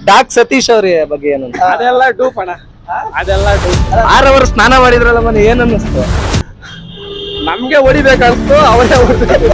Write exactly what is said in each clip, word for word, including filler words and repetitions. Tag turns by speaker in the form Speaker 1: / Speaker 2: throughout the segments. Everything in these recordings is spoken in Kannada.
Speaker 1: ಡಾಕ್ ಸತೀಶ್ ಅವ್ರ ಬಗ್ಗೆ ಏನಂತ?
Speaker 2: ಅದೆಲ್ಲ ಡೂಪ್ ಅಣ್ಣ, ಅದೆಲ್ಲ ಡೂಪ್.
Speaker 1: ಆರ್ ಅವರ್ ಸ್ನಾನ ಮಾಡಿದ್ರಲ್ಲ ಮನೆ ಏನ್ ಅನ್ನಿಸ್ತು?
Speaker 2: ನಮ್ಗೆ ಹೊಡಿಬೇಕನ್ಸ್ತು, ಅವರೇ ಹೊಡಿಬೇಕು.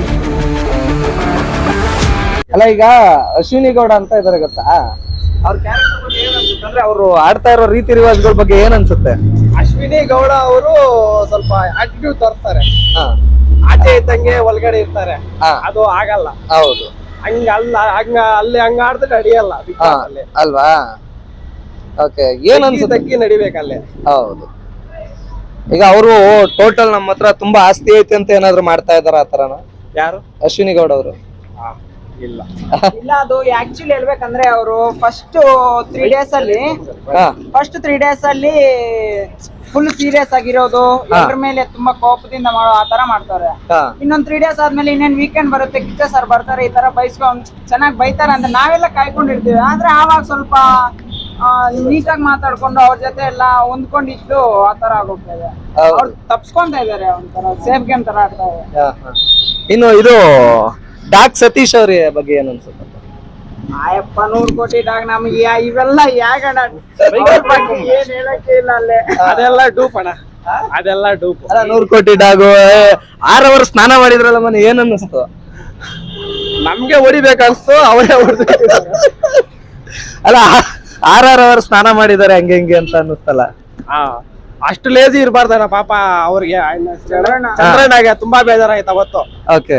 Speaker 1: ಅಲ್ಲ ಈಗ ಅಶ್ವಿನಿ ಗೌಡ ಅಂತ ಇದಾರೆ ಗೊತ್ತಾ, ಅವ್ರ ಕ್ಯಾರೆಕ್ಟರ್ ಬಗ್ಗೆ ಏನ್ ಅನ್ಸುತ್ತೆ ಅಂದ್ರೆ ಅವರು ಆಡ್ತಾ ಇರೋ ರೀತಿ ರಿವಾಜ್ಗಳ ಬಗ್ಗೆ ಏನ್ ಅನ್ಸುತ್ತೆ?
Speaker 2: ಅಶ್ವಿನಿ ಗೌಡ ಅವರು ಸ್ವಲ್ಪ ಆಟಿಟ್ಯೂಡ್ ತೋರಿಸ್ತಾರೆ,
Speaker 1: ಹಾ
Speaker 2: ಆಚೆ ಇದ್ದಂಗೆ ಒಳಗಡೆ ಇರ್ತಾರೆ,
Speaker 1: ಹಾ.
Speaker 2: ಅದು ಆಗಲ್ಲ.
Speaker 1: ಹೌದು,
Speaker 2: ಹಂಗ ಅಲ್ಲ, ಹಂಗ ಅಲ್ಲಿ ಹಂಗ ಆಡಿದ್ರೆ ನಡೆಯಲ್ಲ Big
Speaker 1: ಹಾ,
Speaker 2: Boss ಅಲ್ಲಿ.
Speaker 1: ಅಲ್ವಾ? ಓಕೆ, ಏನ್ ಅನ್ಸುತ್ತೆ?
Speaker 2: ತಗ್ಗಿ ನಡಿಬೇಕಲ್ಲಿ.
Speaker 1: ಹೌದು. ಈಗ ಅವರು ಟೋಟಲ್ ನಮ್ಮ ಹತ್ರ ತುಂಬಾ ಆಸ್ತಿ ಐತೆ ಅಂತ ಏನಾದ್ರು ಮಾಡ್ತಾ ಇದಾರ ಆತರನ
Speaker 2: ಯಾರು?
Speaker 1: ಅಶ್ವಿನಿ ಗೌಡ ಅವರು?
Speaker 2: ಇಲ್ಲ
Speaker 3: ಇಲ್ಲ, ಅದು ಆಕ್ಚುಲಿ ಹೇಳ್ಬೇಕಂದ್ರೆ ಅವರು ಫಸ್ಟ್ ತ್ರೀ ಡೇಸ್ ಅಲ್ಲಿ
Speaker 1: ಹಾ
Speaker 3: ಫಸ್ಟ್ ತ್ರೀ ಡೇಸ್ ಅಲ್ಲಿ ಫುಲ್ ಸೀರಿಯಸ್ ಆಗಿರೋದು, ಎಲ್ಲರ ಮೇಲೆ ತುಂಬಾ ಕೋಪದಿಂದ ಮಾಡೋ ಆ ತರ ಮಾಡ್ತಾರೆ.
Speaker 1: ಹಾ
Speaker 3: ಇನ್ನೊಂದ್ ತ್ರೀ ಡೇಸ್ ಆದ್ಮೇಲೆ ಇನ್ನೇನ್ ವೀಕೆಂಡ್ ಬರುತ್ತೆ, ಕಿಚ್ಚ ಸರ್ ಬರ್ತಾರೆ, ಈ ತರ ಬೈಸ್ಕೊಂಡ್ ಚೆನ್ನಾಗಿ ಬೈತಾರೆ ಅಂತ ನಾವೆಲ್ಲ ಕಾಯ್ಕೊಂಡಿರ್ತೀವಿ. ಆದ್ರೆ ಆವಾಗ ಸ್ವಲ್ಪ ನೀಟಾಗಿ ಮಾತಾಡ್ಕೊಂಡು ಅವ್ರ ಜೊತೆ ಎಲ್ಲ ಹೊಂದ್ಕೊಂಡಿದ್ದು ಆ ತರ ಆಗೋಗ್ತದೆ.
Speaker 1: ಹೌದು.
Speaker 3: ಅವ್ರು ತಪ್ಸ್ಕೊಂತ ಇದಾರೆ, ಒಂಥರ ಸೇಫ್ ಗೇಮ್ ತರ ಆಡ್ತಾ ಇದೆ.
Speaker 1: ಹಾ, ಹಾ. ಇನ್ನು ಇದು ಡಾಕ್ ಸತೀಶ್ ಅವ್ರ ಬಗ್ಗೆ ಏನ್ ಅನ್ಸುತ್ತೆ?
Speaker 3: ಆಯಪ್ಪ ನೂರ್ ಕೋಟಿ ಡಾಗ್ ನಮ್ಗೆ ಯಾ- ಇವೆಲ್ಲ ಯಾಗಣ ಏನ್ ಹೇಳಕ್ಕೆ ಇಲ್ಲ ಅಲ್ಲೇ.
Speaker 2: ಅದೆಲ್ಲ ಡೂಪ್ ಅಣ್ಣ, ಅದೆಲ್ಲ ಡೂಪ್.
Speaker 1: ಅಲ್ಲ, ನೂರ್ ಕೋಟಿ ಡಾಗು ಆರ್ ಅವರ್ ಸ್ನಾನ ಮಾಡಿದ್ರಲ್ಲ ಮನೆ ಏನ್ ಅನ್ನಿಸ್ತು?
Speaker 2: ನಮ್ಗೆ ಹೊಡಿಬೇಕನ್ಸ್ತು, ಅವರೇ ಹೊಡ್ಬೇಕು.
Speaker 1: ಅಲ್ಲ, ಆರ್ ಆರ್ ಅವರ್ ಸ್ನಾನ ಮಾಡಿದಾರೆ ಹಂಗೆ ಹಿಂಗೆ ಅಂತ ಅನ್ನಿಸ್ತಲ್ಲ?
Speaker 2: ಹಾ, ಅಷ್ಟು ಲೇಜಿ ಇರ್ಬಾರ್ದಣ್ಣ ಪಾಪ ಅವ್ರಿಗೆ. ಚಂದ್ರಣ್ಣಗೆ ತುಂಬಾ ಬೇಜಾರಾಯ್ತು ಅವತ್ತು.
Speaker 1: ಓಕೆ,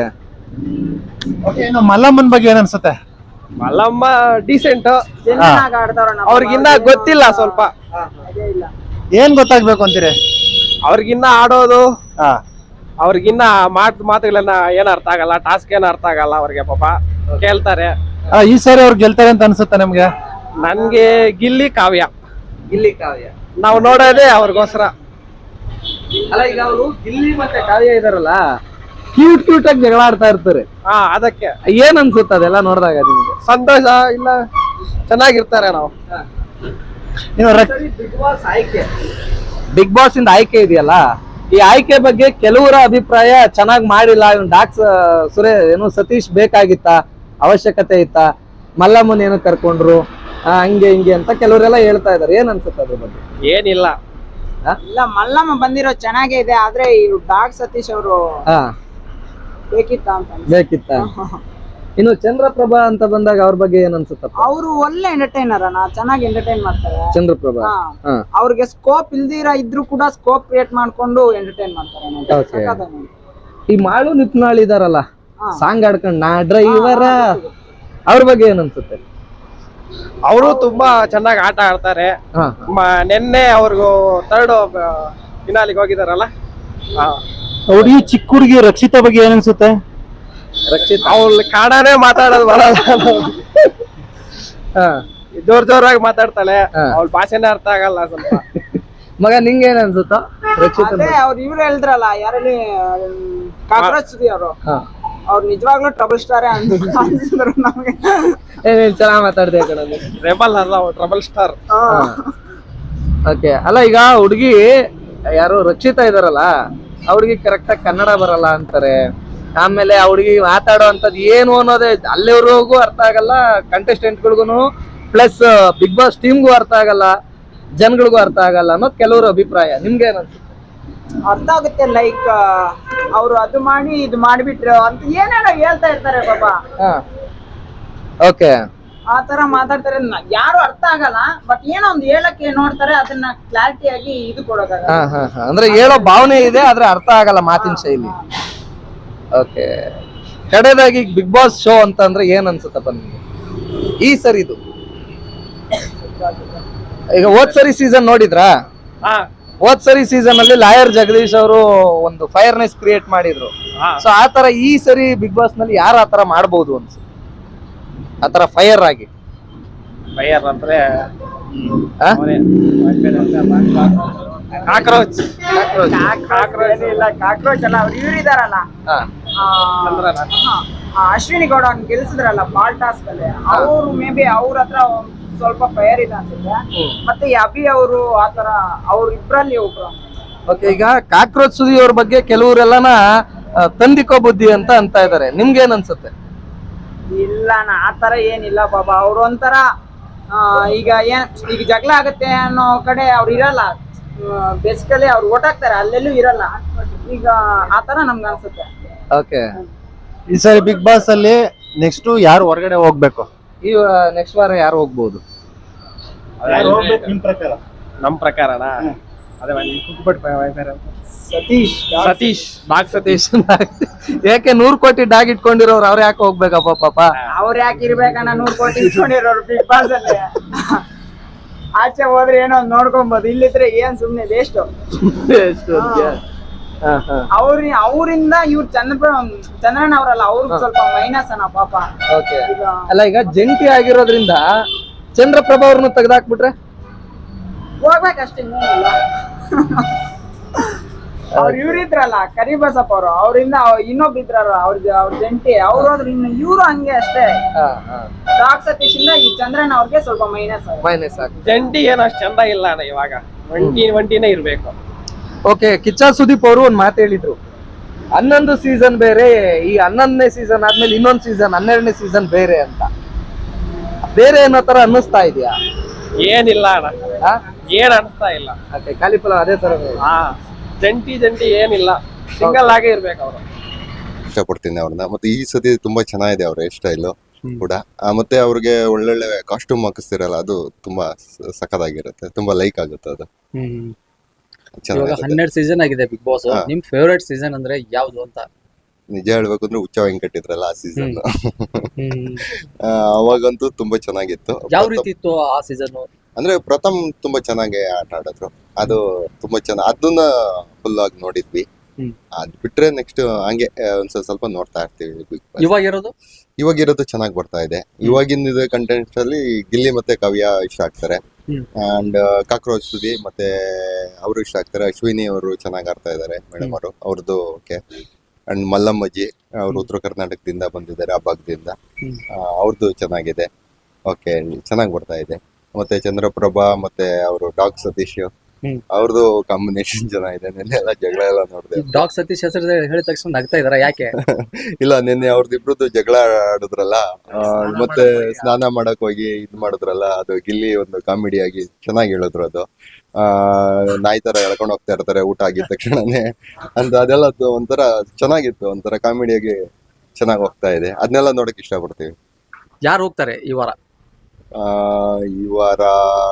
Speaker 4: ಇನ್ನು ಮಲ್ಲಮ್ಮನ್ ಬಗ್ಗೆ ಏನ್ ಅನ್ಸುತ್ತೆ?
Speaker 2: ಮಲ್ಲಮ್ಮ ಡೀಸೆಂಟ್,
Speaker 3: ಚೆನ್ನಾಗ್ ಆಡ್ತಾರ ನಮ್ಮ
Speaker 2: ಅವ್ರಿಗಿನ್ನ ಗೊತ್ತಿಲ್ಲ ಸ್ವಲ್ಪ.
Speaker 3: ಅದೇ ಇಲ್ಲ.
Speaker 4: ಏನ್ ಗೊತ್ತಾಗ್ಬೇಕು ಅಂತೀರಿ?
Speaker 2: ಅವ್ರಿಗಿನ್ನ ಆಡೋದು,
Speaker 4: ಹಾ
Speaker 2: ಅವ್ರಿಗಿನ್ನ ಮಾತ್ ಮಾತುಗಳನ್ನ ಏನ್ ಅರ್ಥ ಆಗಲ್ಲ, ಟಾಸ್ಕ್ ಏನ್ ಅರ್ಥ ಆಗಲ್ಲ ಅವ್ರಿಗೆ ಪಾಪ. ಕೇಳ್ತಾರೆ.
Speaker 4: ಆ, ಈ ಸಾರಿ ಅವ್ರು ಗೆಲ್ತಾರೆ ಅಂತ ಅನ್ಸುತ್ತೆ ನಿಮ್ಗೆ?
Speaker 2: ನನ್ಗೆ ಗಿಲ್ಲಿ ಕಾವ್ಯ,
Speaker 1: ಗಿಲ್ಲಿ ಕಾವ್ಯ
Speaker 2: ನಾವು ನೋಡೋದೇ ಅವ್ರಿಗೋಸ್ಕರ.
Speaker 1: ಅಲ್ಲ, ಈಗ ಅವರು ಗಿಲ್ಲಿ ಮತ್ತೆ ಕಾವ್ಯ ಇದಾರಲ್ಲ, ಕ್ಯೂಟ್ ಕ್ಯೂಟ್ ಆಗಿ ಜಗಳ ಆಡ್ತಾ ಇರ್ತಾರೆ.
Speaker 2: ಹಾ, ಅದಕ್ಕೆ
Speaker 1: ಏನ್ ಅನ್ಸುತ್ತೆ ಅದೆಲ್ಲ ನೋಡಿದಾಗ ನಿಮ್ಗೆ?
Speaker 2: ಸಂತೋಷ ಇಲ್ಲ, ಚೆನ್ನಾಗಿರ್ತಾರೆ ನಾವು.
Speaker 4: ಇನ್ನು ರಕ್-
Speaker 1: ಬಿಗ್ ಬಾಸ್ ಆಯ್ಕೆ, ಬಿಗ್ ಬಾಸ್ ಇಂದ ಆಯ್ಕೆ ಇದೆಯಲ್ಲ, ಈ ಆಯ್ಕೆ ಬಗ್ಗೆ ಕೆಲವರ ಅಭಿಪ್ರಾಯ ಚೆನ್ನಾಗಿ ಮಾಡಿಲ್ಲ, ಇವ್ನು ಡಾಕ್ಸ್ ಸುರೇ ಏನು ಸತೀಶ್ ಬೇಕಾಗಿತ್ತ, ಅವಶ್ಯಕತೆ ಇತ್ತ, ಮಲ್ಲಮ್ಮನ್ ಏನು ಕರ್ಕೊಂಡ್ರು, ಆ, ಹಂಗೆ ಹಿಂಗೆ ಅಂತ ಕೆಲವರೆಲ್ಲ ಹೇಳ್ತಾ ಇದಾರೆ. ಏನ್ ಅನ್ಸುತ್ತೆ ಅದ್ರ ಬಗ್ಗೆ?
Speaker 2: ಏನಿಲ್ಲ,
Speaker 3: ಇಲ್ಲ, ಮಲ್ಲಮ್ಮ ಬಂದಿರೋ ಚೆನ್ನಾಗೇ ಇದೆ, ಆದ್ರೆ ಇವ್ರು ಡಾಗ್ ಸತೀಶ್ ಅವರು
Speaker 1: ಹಾ,
Speaker 3: ಬೇಕಿತ್ತ ಅಂತ ಅನ್ಸುತ್ತೆ.
Speaker 1: ಬೇಕಿತ್ತ. ಇನ್ನು ಚಂದ್ರಪ್ರಭಾ ಅಂತ ಬಂದಾಗ ಅವ್ರ ಬಗ್ಗೆ ಏನ್ ಅನ್ಸುತ್ತಪ್ಪ?
Speaker 3: ಅವರು ಒಳ್ಳೆ ಎಂಟರ್ಟೈನರ್ ಅಣ್ಣ, ಚೆನ್ನಾಗಿ ಎಂಟರ್ಟೈನ್ ಮಾಡ್ತಾರೆ.
Speaker 1: ಚಂದ್ರಪ್ರಭಾ,
Speaker 3: ಹಾ.
Speaker 1: ಹಾ,
Speaker 3: ಅವ್ರಿಗೆ ಸ್ಕೋಪ್ ಇಲ್ದಿರ ಇದ್ರು ಕೂಡ ಸ್ಕೋಪ್ ಕ್ರಿಯೇಟ್ ಮಾಡ್ಕೊಂಡು ಎಂಟರ್ಟೈನ್ ಮಾಡ್ತಾರೆ.
Speaker 1: Okay.
Speaker 3: ಸಖತ್ತಾಗಿ.
Speaker 1: ಈ ಮಾಳು ನಿಪ್ನಾಳ್ ಇದಾರಲ್ಲ,
Speaker 3: ಹಾ.
Speaker 1: ಸಾಂಗ್ ಆಡ್ಕೊಂಡ್ ನಾ ಡ್ರೈವರ, ಅವ್ರ ಬಗ್ಗೆ ಏನ್ ಅನ್ಸುತ್ತೆ?
Speaker 2: ಅವರು ತುಂಬಾ ಚೆನ್ನಾಗಿ ಆಟ ಆಡ್ತಾರೆ.
Speaker 1: ಹಾ,
Speaker 2: ಮ- ನೆನ್ನೆ ಅವ್ರಿಗೂ ಥರ್ಡ್ ಫಿನಾಲಿಗೆ ಹೋಗಿದಾರಲ್ಲ,
Speaker 4: ಹುಡುಗಿ ಚಿಕ್ಕ ಹುಡುಗಿ ರಕ್ಷಿತಾ ಬಗ್ಗೆ ಏನ್ ಅನ್ಸುತ್ತೆ?
Speaker 1: ರಕ್ಷಿತ್,
Speaker 2: ಅವ್ಳು ಕನ್ನಡನೇ ಮಾತಾಡೋದು ಬರಲ್ಲ,
Speaker 1: ಹಾ,
Speaker 2: ಜೋರ್ ಜೋರಾಗಿ ಮಾತಾಡ್ತಾಳೆ,
Speaker 1: ಹಾ.
Speaker 2: ಅವ್ಳ ಭಾಷೆನೇ ಅರ್ಥ ಆಗಲ್ಲ ಸ್ವಲ್ಪ.
Speaker 1: ಮಗ ನಿಂಗೆ ಏನ್ ಅನ್ಸುತ್ತ ರಕ್ಷಿತ್?
Speaker 3: ಅದೇ ಅವ್ರು ಇವ್ರು ಹೇಳಿದ್ರಲ್ಲ, ಯಾರಲ್ಲಿ ಕಾಕ್ರೋಚ್ ಸುದಿ ಅವರು,
Speaker 1: ಹಾ,
Speaker 3: ಅವ್ರು ನಿಜವಾಗ್ಲೂ ಟ್ರಬಲ್ ಸ್ಟಾರೇ ಅನ್ಸಿದ್ರು ನಮ್ಗೆ.
Speaker 1: ಏನೇನ್ ಚೆನ್ನಾಗ್ ಮಾತಾಡ್ದೆ ಕಣಲ್ಲಿ.
Speaker 2: ರೆಬಲ್ ಅಲ್ಲ, ಟ್ರಬಲ್ ಸ್ಟಾರ್.
Speaker 1: ಓಕೆ, ಅಲ್ಲ ಈಗ ಹುಡುಗಿ ಯಾರು ರಕ್ಷಿತಾ ಇದಾರಲ್ಲ, ಅವ್ರಿಗೆ ಕರೆಕ್ಟ್ ಆಗಿ ಕನ್ನಡ ಬರಲ್ಲ ಅಂತಾರೆ. ಆಮೇಲೆ ಆ ಹುಡುಗಿ ಮಾತಾಡೋ ಅಂತದ್ ಏನು ಅನ್ನೋದೇ ಅಲ್ಲಿವರೆಗೂ ಅರ್ಥ ಆಗಲ್ಲ, ಕಂಟೆಸ್ಟೆಂಟ್ಗಳಿಗೂ ಪ್ಲಸ್ ಬಿಗ್ ಬಾಸ್ ಟೀಮ್ಗೂ ಅರ್ಥ ಆಗಲ್ಲ, ಜನಗಳಿಗೂ ಅರ್ಥ ಆಗಲ್ಲ ಅನ್ನೋದು ಕೆಲವರು ಅಭಿಪ್ರಾಯ. ನಿಮ್ಗೆ ಏನನ್ಸುತ್ತೆ?
Speaker 3: ಅರ್ಥ ಆಗುತ್ತೆ, ಲೈಕ್ ಅವ್ರು ಅದು ಮಾಡಿ ಇದು ಮಾಡಿಬಿಟ್ರು ಅಂತ ಏನೇನೋ ಹೇಳ್ತಾ ಇರ್ತಾರೆ ಪಾಪ.
Speaker 1: ಹಾ, ಓಕೆ,
Speaker 3: ಆ ತರ ಮಾತಾಡ್ತಾರೆ, ನ- ಯಾರು ಅರ್ಥ ಆಗಲ್ಲ, ಬಟ್ ಏನೋ ಒಂದು ಹೇಳಕ್ಕೆ ನೋಡ್ತಾರೆ, ಅದನ್ನ ಕ್ಲಾರಿಟಿ ಆಗಿ ಇದು ಕೊಡೋದಾಗ.
Speaker 1: ಹಾ ಹಾ ಹಾ ಅಂದ್ರೆ ಹೇಳೋ ಭಾವನೆ ಇದೆ, ಆದ್ರೆ ಅರ್ಥ ಆಗಲ್ಲ ಮಾತಿನ ಶೈಲಿ. ಓಕೆ, ಕಡೆದಾಗಿ ಬಿಗ್ ಬಾಸ್ ಶೋ ಅಂತ ಅಂದ್ರೆ ಏನ್ ಅನ್ಸುತ್ತಪ್ಪ ನಿಮ್ಗೆ ಈ ಸರಿ? ಇದು ಈಗ ಹೋದ್ ಸರಿ ಸೀಸನ್ ನೋಡಿದ್ರಾ?
Speaker 2: ಹಾ,
Speaker 1: ಹೋದ್ ಸರಿ ಸೀಸನ್ ಅಲ್ಲಿ ಲಾಯರ್ ಜಗದೀಶ್ ಅವರು ಒಂದು ಫೈರ್ನೆಸ್ ಕ್ರಿಯೇಟ್ ಮಾಡಿದ್ರು.
Speaker 2: ಹಾ.
Speaker 1: ಸೊ ಆತರ ಈ ಸರಿ ಬಿಗ್ ಬಾಸ್ ನಲ್ಲಿ ಯಾರು ಆತರ ಮಾಡ್ಬೋದು ಅನ್ಸುತ್ತೆ? ಆತರ ಫೈರ್ ಆಗಿ
Speaker 2: ಬೈಯರ್ ಅಂದ್ರೆ
Speaker 1: ಆ?
Speaker 2: ಕಾಕ್ರೋಚ್.
Speaker 3: ಕಾಕ್ರೋಚ್ ಇಲ್ಲ, ಕಾಕ್ರೋಚ್ ಅಲ್ಲ, ಅವ್ರು ಇವ್ರು ಇದಾರಲ್ಲ,
Speaker 1: ಹಾ.
Speaker 3: ಆ, ಹಾ, ಆ ಅಶ್ವಿನಿ ಗೌಡ ಅವ್ನ್ ಗೆಲ್ಸಿದ್ರಲ್ಲ ಬಾಲ್ ಟಾಸ್ಕ್ ಅಲ್ಲಿ, ಅವ್ರು ಮೇ ಬಿ ಅವ್ರ ಹತ್ರ ಒಂದ್ ಸ್ವಲ್ಪ ಫೈರ್ ಇದೆ ಅನ್ಸುತ್ತೆ. ಮತ್ತೆ ಈ ಅಭಿ ಅವರು ಆತರ ಅವ್ರ ಇಬ್ರಲ್ಲಿ ಒಬ್ರು.
Speaker 1: ಓಕೆ, ಈಗ ಕಾಕ್ರೋಚ್ ಸುದಿ ಅವ್ರ ಬಗ್ಗೆ ಕೆಲವರೆಲ್ಲನ ಆ, ತಂದಿಕೋ ಬುದ್ಧಿ ಅಂತ ಅಂತ ಇದಾರೆ. ನಿಮ್ಗೆ ಏನ್ ಅನ್ಸುತ್ತೆ?
Speaker 3: ಇಲ್ಲ, ನಾ ಆತರ ಏನಿಲ್ಲ ಬಾಬಾ, ಅವ್ರು ಒಂಥರ ಈಗ ಏನ್ ಈಗ ಜಗಳ ಆಗುತ್ತೆ ಅನ್ನೋ ಕಡೆ ಅವ್ರು ಇರಲ್ಲ, ಬೇಸಿಕಲಿ ಅವ್ರು ಓಟಾಕ್ತಾರೆ, ಅಲ್ಲೆಲ್ಲೂ ಇರಲ್ಲ. ಈಗ ಆತರ ನಮ್ಗೆ ಅನ್ಸುತ್ತೆ.
Speaker 1: ಓಕೆ,
Speaker 4: ಈ ಸರಿ ಬಿಗ್ ಬಾಸ್ ಅಲ್ಲಿ ನೆಕ್ಸ್ಟ್ ಯಾರು ಹೊರಗಡೆ ಹೋಗ್ಬೇಕು?
Speaker 1: ಈ ನೆಕ್ಸ್ಟ್ ವಾರ ಯಾರು ಹೋಗ್ಬೋದು?
Speaker 4: ನಿಮ್ ಪ್ರಕಾರ?
Speaker 2: ನಮ್ ಪ್ರಕಾರನ ಅದೇ
Speaker 3: ಸತೀಶ್
Speaker 2: ಸತೀಶ್ ನಾಗ್ ಸತೀಶ್
Speaker 1: ಯಾಕೆ ನೂರ್ ಕೋಟಿ ಡಾಗ್ ಇಟ್ಕೊಂಡಿರೋರು ಅವ್ರು ಯಾಕೆ ಹೋಗ್ಬೇಕಪ್ಪ ಪಾಪ?
Speaker 3: ಅವ್ರು ಯಾಕೆ ಇರ್ಬೇಕನ್ನ ನೂರ್ ಕೋಟಿ ಇಟ್ಕೊಂಡಿರೋರು ಬಿಗ್ ಬಾಸ್ ಅಲ್ಲಿ. ಆಚೆ ಹೋದ್ರೆ ಏನೋ ಒಂದ್ ನೋಡ್ಕೊಬಹುದು, ಇಲ್ಲಿದ್ರೆ ಏನ್ ಸುಮ್ನೆ ವೇಸ್ಟ್. ಅವ್ರ ಅವರಿಂದ ಇವ್ರು ಚಂದ್ರ ಚಂದ್ರಣ್ಣ ಅವರಲ್ಲ, ಅವ್ರಿಗೆ ಸ್ವಲ್ಪ ಮೈನಸ್ ಅನ್ನ ಪಾಪ.
Speaker 1: ಓಕೆ, ಅಲ್ಲ ಈಗ ಜಂಟಿ ಆಗಿರೋದ್ರಿಂದ ಚಂದ್ರಪ್ರಭಾ ಅವ್ರನ್ನ ತೆಗ್ದಾಕ್ಬಿಟ್ರೆ
Speaker 3: ಹೋಗ್ಬೇಕಷ್ಟೇ, ಇನ್ನೇನಿಲ್ಲ. ಅವ್ರು ಇವ್ರಿದ್ರಲ್ಲ ಕರಿಬಸಪ್ಪ ಅವರು, ಅವರಿಂದ ಇನ್ನೊಬ್ರು ಇದ್ರಲ್ಲ ಅವ್ರ ಅವ್ರ ಜಂಟಿ, ಅವ್ರು ಹೋದ್ರೆ ಇನ್ನು ಇವ್ರು ಹಂಗೆ ಅಷ್ಟೇ. ಡಾಕ್ ಸತೀಶ್ ಇಂದ ಈ ಚಂದ್ರಣ್ಣ ಅವ್ರಿಗೆ ಸ್ವಲ್ಪ ಮೈನಸ್
Speaker 1: ಮೈನಸ್ ಆಗ.
Speaker 2: ಜಂಟಿ ಏನು ಅಷ್ಟು ಚಂದ ಇಲ್ಲ ಅಣ್ಣ ಇವಾಗ, ಒಂಟಿ ಒಂಟಿನೇ ಇರ್ಬೇಕು.
Speaker 1: ಓಕೆ, ಕಿಚ್ಚ ಸುದೀಪ್ ಅವರು ಒಂದ್ ಮಾತು ಹೇಳಿದ್ರು, ಹನ್ನೊಂದು ಸೀಸನ್ ಬೇರೆ, ಈ ಹನ್ನೊಂದನೇ ಸೀಸನ್ ಆದ್ಮೇಲೆ ಇನ್ನೊಂದ್ ಸೀಸನ್ ಹನ್ನೆರಡನೇ ಸೀಸನ್ ಬೇರೆ ಅಂತ. ಬೇರೆ ಅನ್ನೋ ತರ ಅನ್ನಿಸ್ತಾ ಇದೆಯಾ?
Speaker 2: ಏನಿಲ್ಲ ಅಣ್ಣ, ಏನ್ ಅನಿಸ್ತಾ ಇಲ್ಲ.
Speaker 1: ಓಕೆ, ಕಾಲಿಫಲ ಅದೇ ತರ.
Speaker 2: ಹಾ, ಜಂಟಿ ಜಂಟಿ ಏನಿಲ್ಲ, ಸಿಂಗಲ್ ಆಗೇ ಇರ್ಬೇಕು ಅವರು.
Speaker 5: ಇಷ್ಟಪಡ್ತೀನಿ ಅವ್ರನ್ನ. ಮತ್ತೆ ಈ ಸತಿ ತುಂಬಾ ಚೆನ್ನಾಗಿದೆ ಅವ್ರ ಹೇರ್ ಸ್ಟೈಲ್ ಕೂಡ. ಆ, ಮತ್ತೆ ಅವ್ರಿಗೆ ಒಳ್ಳೊಳ್ಳೆ ಕಾಸ್ಟ್ಯೂಮ್ ಹಾಕಿಸ್ತಿರಲ್ಲ, ಅದು ತುಂಬಾ ಸ- ಸಖತ್ತಾಗಿರುತ್ತೆ, ತುಂಬಾ ಲೈಕ್ ಆಗುತ್ತೆ ಅದು.
Speaker 6: ಇವಾಗ
Speaker 5: ಚೆನ್ನಾಗಿರುತ್ತೆ.
Speaker 6: ಹನ್ನೆರಡು ಸೀಸನ್ ಆಗಿದೆ ಬಿಗ್ ಬಾಸ್.
Speaker 5: ಹಾ.
Speaker 6: ನಿಮ್ ಫೇವರೇಟ್ ಸೀಸನ್ ಅಂದ್ರೆ ಯಾವ್ದು ಅಂತ?
Speaker 5: ನಿಜ ಹೇಳ್ಬೇಕು ಅಂದ್ರೆ ಹುಚ್ಚ ವೆಂಕಟಿದ್ರಲ್ಲ ಆ ಸೀಸನ್, ಅವಾಗಂತೂ ತುಂಬಾ ಚೆನ್ನಾಗಿತ್ತು.
Speaker 6: ಯಾವ
Speaker 5: ಪ್ರಥಮ್-
Speaker 6: ರೀತಿ ಇತ್ತು ಆ ಸೀಸನ್?
Speaker 5: ಅಂದ್ರೆ ಪ್ರಥಮ್ ತುಂಬಾ ಚೆನ್ನಾಗಿ ಆಟ ಆಡಿದ್ರು, ಅದು ತುಂಬಾ ಚೆನ್ನಾಗಿ, ಅದನ್ನ ಫುಲ್ ಆಗಿ ನೋಡಿದ್ವಿ.
Speaker 6: ಹ್ಮ್.
Speaker 5: ಅದ್ ಬಿಟ್ರೆ ನೆಕ್ಸ್ಟ್ ಹಂಗೆ ಆ, ಒಂದ್ ಸ್ವಲ್ಪ ಸ್ವಲ್ಪ ನೋಡ್ತಾ ಇರ್ತೀವಿ ಬಿಗ್ ಬಾಸ್.
Speaker 6: ಇವಾಗ ಇರೋದು
Speaker 5: ಇವಾಗ ಇರೋದು ಚೆನ್ನಾಗಿ ಬರ್ತಾ ಇದೆ. ಇವಾಗಿನ ಕಂಟೆಂಟ್ಸ್ ಅಲ್ಲಿ ಗಿಲ್ಲಿ ಮತ್ತೆ ಕಾವ್ಯ ಇಷ್ಟ ಆಗ್ತಾರೆ,
Speaker 6: ಹ್ಮ್.
Speaker 5: ಅಂಡ್ ಕಾಕ್ರೋಚ್ ಸುದಿ ಮತ್ತೆ ಅವರು ಇಷ್ಟ ಆಗ್ತಾರೆ. ಅಶ್ವಿನಿ ಅವರು ಚೆನ್ನಾಗಿ ಆಡ್ತಾ ಇದ್ದಾರೆ, ಮೇಡಮ್ ಅವರು, ಅವ್ರದ್ದು ಓಕೆ. ಅಂಡ್ ಮಲ್ಲಮ್ಮಜ್ಜಿ ಅವರು ಉತ್ತರ ಕರ್ನಾಟಕದಿಂದ ಬಂದಿದ್ದಾರೆ, ಆ ಭಾಗದಿಂದ,
Speaker 6: ಹ್ಮ್.
Speaker 5: ಅವ್ರದ್ದು ಚೆನ್ನಾಗಿದೆ, ಓಕೆ, ಚೆನ್ನಾಗಿ ಬರ್ತಾ ಇದೆ. ಮತ್ತೆ ಚಂದ್ರಪ್ರಭಾ ಮತ್ತೆ ಅವರು ಡಾಗ್ ಸತೀಶ್
Speaker 6: ಹ್ಮ್.
Speaker 5: ಅವ್ರದ್ದು ಕಾಂಬಿನೇಷನ್ ಚೆನ್ನಾಗಿದೆ. ನಿನ್ನೆ ಎಲ್ಲ ಜಗಳ ಎಲ್ಲ ನೋಡಿದೆ.
Speaker 6: ಡಾಗ್ ಸತೀಶ್ ಹೆಸರು ಹೇಳಿದ ತಕ್ಷಣ ನಗ್ತಾ ಇದಾರ, ಯಾಕೆ?
Speaker 5: ಇಲ್ಲ, ನಿನ್ನೆ ಅವ್ರದ್ದಿಬ್ರದ್ದು ಜಗಳ ಆಡಿದ್ರಲ್ಲ, ಆ, ಮತ್ತೆ ಸ್ನಾನ ಮಾಡಕ್ ಹೋಗಿ ಇದ್ ಮಾಡಿದ್ರಲ್ಲ, ಅದು ಗಿಲ್ಲಿ ಒಂದು ಕಾಮಿಡಿ ಆಗಿ ಚೆನ್ನಾಗಿ ಹೇಳಿದ್ರು. ಅದು ಆ ನಾಯಿ ತರ ಎಳ್ಕೊಂಡ್ ಹೋಗ್ತಾ ಇರ್ತಾರೆ ಊಟ ಆಗಿದ ತಕ್ಷಣನೇ ಅಂತ, ಅದೆಲ್ಲ ಅದು ಒಂಥರ ಚೆನ್ನಾಗಿತ್ತು, ಒಂಥರ ಕಾಮಿಡಿಯಾಗಿ ಚೆನ್ನಾಗಿ ಹೋಗ್ತಾ ಇದೆ. ಅದನ್ನೆಲ್ಲ ನೋಡಕ್ ಇಷ್ಟಪಡ್ತೀವಿ.
Speaker 6: ಯಾರು ಹೋಗ್ತಾರೆ ಈ ವಾರ?
Speaker 5: ಆ ಈ ವಾರ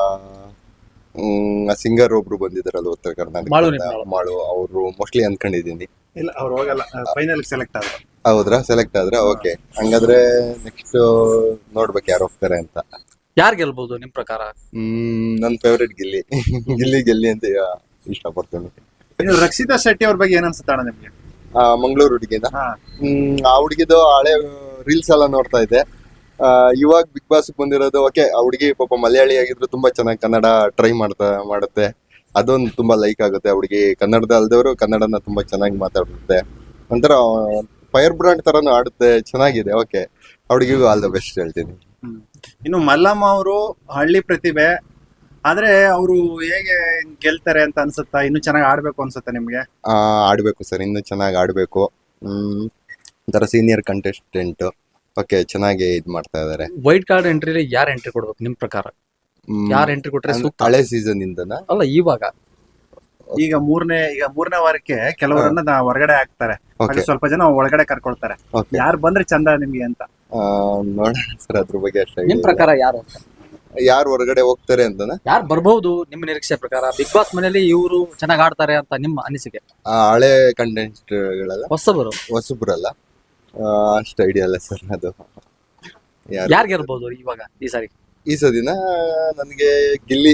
Speaker 5: ಹ್ಮ್ ಸಿಂಗರ್ ಒಬ್ರು ಬಂದಿದ್ದಾರಲ್ಲ ಉತ್ತರ
Speaker 6: ಮಾಳು
Speaker 5: ಕರ್ನಾಟಕ,
Speaker 6: ನಿಮ್ಮಾಳು.
Speaker 5: ಮಾಡು, ಅವರು ಮೋಸ್ಟ್ಲಿ ಅನ್ಕೊಂಡಿದೀನಿ.
Speaker 4: ಇಲ್ಲ, ಅವ್ರು ಹೋಗಲ್ಲ, ಫೈನಲ್ ಸೆಲೆಕ್ಟ್ ಆದ್ರು.
Speaker 5: ಹೌದ್ರಾ? ಸೆಲೆಕ್ಟ್ ಆದ್ರೆ ಓಕೆ, ಹಂಗಾದ್ರೆ ನೆಕ್ಸ್ಟ್ ನೋಡ್ಬೇಕು ಯಾರು ಹೋಗ್ತಾರೆ ಅಂತ.
Speaker 6: ಯಾರು ಗೆಲ್ಬಹುದು ನಿಮ್ ಪ್ರಕಾರ?
Speaker 5: ಹ್ಮ್ ನನ್ ಫೇವ್ರೆಟ್ ಗಿಲ್ಲಿ ಗಿಲ್ಲಿ ಗೆಲ್ಲಿ ಅಂತ ಇಷ್ಟಪಡ್ತೇನೆ.
Speaker 4: ಇನ್ನು ರಕ್ಷಿತಾ ಶೆಟ್ಟಿ ಅವ್ರ ಬಗ್ಗೆ ಏನ್ ಅನ್ಸುತ್ತೆ ಅಣ್ಣ ನಿಮ್ಗೆ?
Speaker 5: ಆ ಮಂಗಳೂರು ಹುಡುಗಿನ,
Speaker 4: ಹಾ.
Speaker 5: ಹ್ಮ್ ಆ ಹುಡುಗಿದು ಹಳೆ ರೀಲ್ಸ್ ಎಲ್ಲ ನೋಡ್ತಾ ಇದ್ದೆ. ಆ ಇವಾಗ ಬಿಗ್ ಬಾಸ್ ಬಂದಿರೋದು ಓಕೆ, ಆ ಹುಡುಗಿ ಪಾಪ ಮಲಯಾಳಿ ಆಗಿದ್ರು ತುಂಬಾ ಚೆನ್ನಾಗಿ ಕನ್ನಡ ಟ್ರೈ ಮಾಡ್ತಾ ಮಾಡುತ್ತೆ, ಅದೊಂದು ತುಂಬಾ ಲೈಕ್ ಆಗುತ್ತೆ. ಆ ಹುಡುಗಿ ಕನ್ನಡದ ಅಲ್ದವರು ಕನ್ನಡನ ತುಂಬಾ ಚೆನ್ನಾಗಿ ಮಾತಾಡುತ್ತೆ, ಒಂಥರ ಫೈರ್ ಬ್ರಾಂಡ್ ತರನು ಆಡುತ್ತೆ, ಚೆನ್ನಾಗಿದೆ. ಓಕೆ, ಆ ಹುಡುಗಿಗೂ ಆಲ್ ದ ಬೆಸ್ಟ್ ಹೇಳ್ತೀನಿ.
Speaker 4: ಇನ್ನು ಮಲ್ಲಮ್ಮ ಅವರು ಹಳ್ಳಿ ಪ್ರತಿಭೆ, ಆದ್ರೆ ಅವರು ಹೇಗೆ ಗೆಲ್ತಾರೆ ಅಂತ ಅನ್ಸುತ್ತಾ? ಇನ್ನು ಚೆನ್ನಾಗಿ ಆಡ್ಬೇಕು ಅನ್ಸುತ್ತೆ ನಿಮ್ಗೆ?
Speaker 5: ಆ ಆಡ್ಬೇಕು ಸರ್, ಇನ್ನು ಚೆನ್ನಾಗಿ ಆಡ್ಬೇಕು. ಹ್ಮ್ ಒಂಥರ ಸೀನಿಯರ್ ಕಂಟೆಸ್ಟೆಂಟ್, ಓಕೆ, ಚೆನ್ನಾಗಿ ಇದ್ ಮಾಡ್ತಾ ಇದಾರೆ.
Speaker 6: ವೈಟ್ ಕಾರ್ಡ್ ಎಂಟ್ರಿ ಯಾರು ಎಂಟ್ರಿ ಕೊಡ್ಬೇಕು ನಿಮ್ ಪ್ರಕಾರ?
Speaker 5: ಹ್ಮ್,
Speaker 6: ಯಾರು ಎಂಟ್ರಿ ಕೊಟ್ರೆ
Speaker 5: ಅಂದ್ರೆ
Speaker 6: ಸೂಕ್ತ?
Speaker 5: ಹಳೆ ಸೀಸನ್ ಇಂದನ
Speaker 6: ಅಲ್ಲ, ಇವಾಗ
Speaker 4: ಈಗ ಮೂರನೇ ಈಗ ಮೂರನೇ ವಾರಕ್ಕೆ ಕೆಲವರನ್ನ ನಾ ಹೊರಗಡೆ ಹಾಕ್ತಾರೆ,
Speaker 5: ಓಕೆ
Speaker 4: ಹಾಗೆ ಸ್ವಲ್ಪ ಜನ ಒಳಗಡೆ ಕರ್ಕೊಳ್ತಾರೆ.
Speaker 5: ಓಕೆ,
Speaker 4: ಯಾರು ಬಂದ್ರೆ ಚಂದ ನಿಮ್ಗೆ ಅಂತ?
Speaker 5: ನೋಡೋಣ ಸರ್, ಅದ್ರ ಬಗ್ಗೆ ಅಷ್ಟೇ
Speaker 6: ನಿಮ್ ಪ್ರಕಾರ ಯಾರು ಅಂತ?
Speaker 5: ಯಾರು ಹೊರಗಡೆ ಹೋಗ್ತಾರೆ ಅಂತನ,
Speaker 6: ಯಾರು ಬರ್ಬಹುದು ನಿಮ್ಮ ನಿರೀಕ್ಷೆ ಪ್ರಕಾರ? ಬಿಗ್ ಬಾಸ್ ಮನೆಯಲ್ಲಿ ಇವರು ಚೆನ್ನಾಗಿ ಆಡ್ತಾರೆ ಅಂತ ನಿಮ್ಮ ಅನಿಸಿಕೆ?
Speaker 5: ಆ ಹಳೆ ಕಂಟೆಂಟ್ ಗಳೆಲ್ಲ
Speaker 6: ಹೊಸಬರು
Speaker 5: ಹೊಸಬ್ರಲ್ಲ, ಆ, ಅಷ್ಟು ಐಡಿಯಾ ಇಲ್ಲ ಸರ್ ಅದು. ಯಾರು
Speaker 6: ಯಾರು ಗೆಲ್ಬಹುದು ಇವಾಗ ಈ ಸಾರಿ?
Speaker 5: ಈ ಸದಿನ ನನಗೆ ಗಿಲ್ಲಿ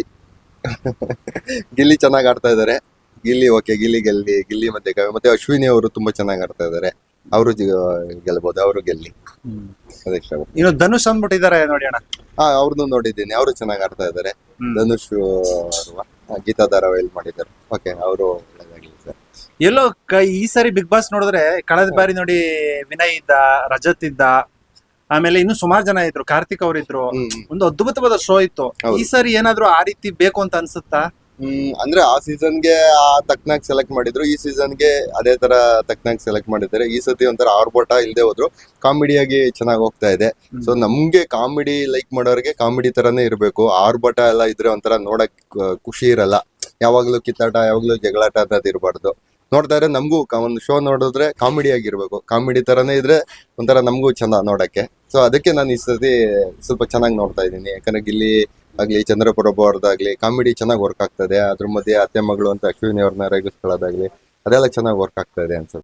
Speaker 5: ಗಿಲ್ಲಿ ಚೆನ್ನಾಗಿ ಆಡ್ತಾ ಇದಾರೆ. ಗಿಲ್ಲಿ ಓಕೆ, ಗಿಲ್ಲಿ ಗೆಲ್ಲಿ ಗಿಲ್ಲಿ ಮತ್ತೆ ಕಾವ್ಯ ಮತ್ತೆ ಅಶ್ವಿನಿ ಅವರು ತುಂಬಾ ಚೆನ್ನಾಗಿ ಆಡ್ತಾ ಇದಾರೆ, ಅವರು ಗೆಲ್ಬಹುದು, ಅವರು ಗೆಲ್ಲಿ ಅದೇ ಇಷ್ಟ.
Speaker 4: ಇನ್ನು ಧನುಷ್ ಅಂದ್ಬಿಟ್ಟಿದ್ದಾರೆ ನೋಡಿ ಅಣ್ಣ.
Speaker 5: ಹಾ, ಅವ್ರದ್ದು ನೋಡಿದ್ದೀನಿ, ಅವರು ಚೆನ್ನಾಗಿ ಆಡ್ತಾ ಇದಾರೆ.
Speaker 4: ಹ್ಮ್.
Speaker 5: ಧನುಷ್ ಅಲ್ವಾ, ಗೀತಾ ಧಾರಾವಾಹಿಯಲ್ಲಿ ಮಾಡಿದ್ದಾರೆ. ಓಕೆ, ಅವರು ಒಳ್ಳೆದಾಗಲಿ ಸರ್.
Speaker 4: ಎಲ್ಲೋ ಕ- ಈ ಸಾರಿ ಬಿಗ್ ಬಾಸ್ ನೋಡಿದ್ರೆ ಕಳೆದ ಬಾರಿ ನೋಡಿ ವಿನಯ್ ಇದ್ದ, ರಜತ್ ಇದ್ದ, ಆಮೇಲೆ ಇನ್ನು ಸುಮಾರು ಜನ ಇದ್ರು, ಕಾರ್ತಿಕ್ ಅವ್ರು ಇದ್ರು,
Speaker 5: ಹ್ಮ್ ಹ್ಮ್.
Speaker 4: ಒಂದು ಅದ್ಭುತವಾದ ಶೋ ಇತ್ತು.
Speaker 5: ಹೌದು.
Speaker 4: ಈ ಸಾರಿ ಏನಾದ್ರು ಆ ರೀತಿ ಬೇಕು ಅಂತ ಅನ್ಸುತ್ತಾ?
Speaker 5: ಹ್ಮ್ ಅಂದ್ರೆ ಆ ಸೀಸನ್ಗೆ ಆ ತಕ್ನಾಗ್ ಸೆಲೆಕ್ಟ್ ಮಾಡಿದ್ರು, ಈ ಸೀಸನ್ಗೆ ಅದೇ ತರ ತಕ್ನಾಗ್ ಸೆಲೆಕ್ಟ್ ಮಾಡಿದ್ದಾರೆ. ಈ ಸತಿ ಒಂಥರ ಆರ್ಭಟ ಇಲ್ಲದೆ ಹೋದ್ರು ಕಾಮಿಡಿಯಾಗಿ ಚೆನ್ನಾಗಿ ಹೋಗ್ತಾ ಇದೆ. ಸೊ ನಮ್ಗೆ ಕಾಮಿಡಿ ಲೈಕ್ ಮಾಡೋರಿಗೆ ಕಾಮಿಡಿ ತರಾನೇ ಇರಬೇಕು. ಆರ್ಭಟ ಎಲ್ಲ ಇದ್ರೆ ಒಂಥರ ನೋಡಕ್ ಆ, ಖುಷಿ ಇರಲ್ಲ. ಯಾವಾಗ್ಲೂ ಕಿತ್ತಾಟ, ಯಾವಾಗ್ಲೂ ಜಗಳಾಟ ಅನ್ನೋದು ಇರಬಾರ್ದು. ನೋಡ್ತಾ ಇದ್ರೆ ನಮಗೂ ಒಂದು ಶೋ ನೋಡಿದ್ರೆ ಕಾಮಿಡಿ ಆಗಿರ್ಬೇಕು. ಕಾಮಿಡಿ ತರಾನೇ ಇದ್ರೆ ಒಂಥರ ನಮಗೂ ಚಂದ ನೋಡಕ್ಕೆ. ಸೊ ಅದಕ್ಕೆ ನಾನು ಈ ಸತಿ ಸ್ವಲ್ಪ ಚೆನ್ನಾಗಿ ನೋಡ್ತಾ ಇದ್ದೀನಿ. ಯಾಕಂದ್ರೆ ಗಿಲ್ಲಿ ಆಗ್ಲಿ, ಚಂದ್ರಪ್ರಭು ಅವ್ರದ್ದಾಗ್ಲಿ ಕಾಮಿಡಿ ಚೆನ್ನಾಗಿ ವರ್ಕ್ ಆಗ್ತದೆ. ಅದ್ರ ಮಧ್ಯೆ ಅತ್ತೆ ಮಗಳು ಅಂತ ಅಶ್ವಿನಿ ಅವ್ರನ್ನ ರೇಗಿಸ್ಕೊಳ್ಳೋದಾಗ್ಲಿ ಅದೆಲ್ಲ ಚೆನ್ನಾಗಿ ವರ್ಕ್ ಆಗ್ತಾ ಇದೆ ಅನ್ಸುತ್ತೆ.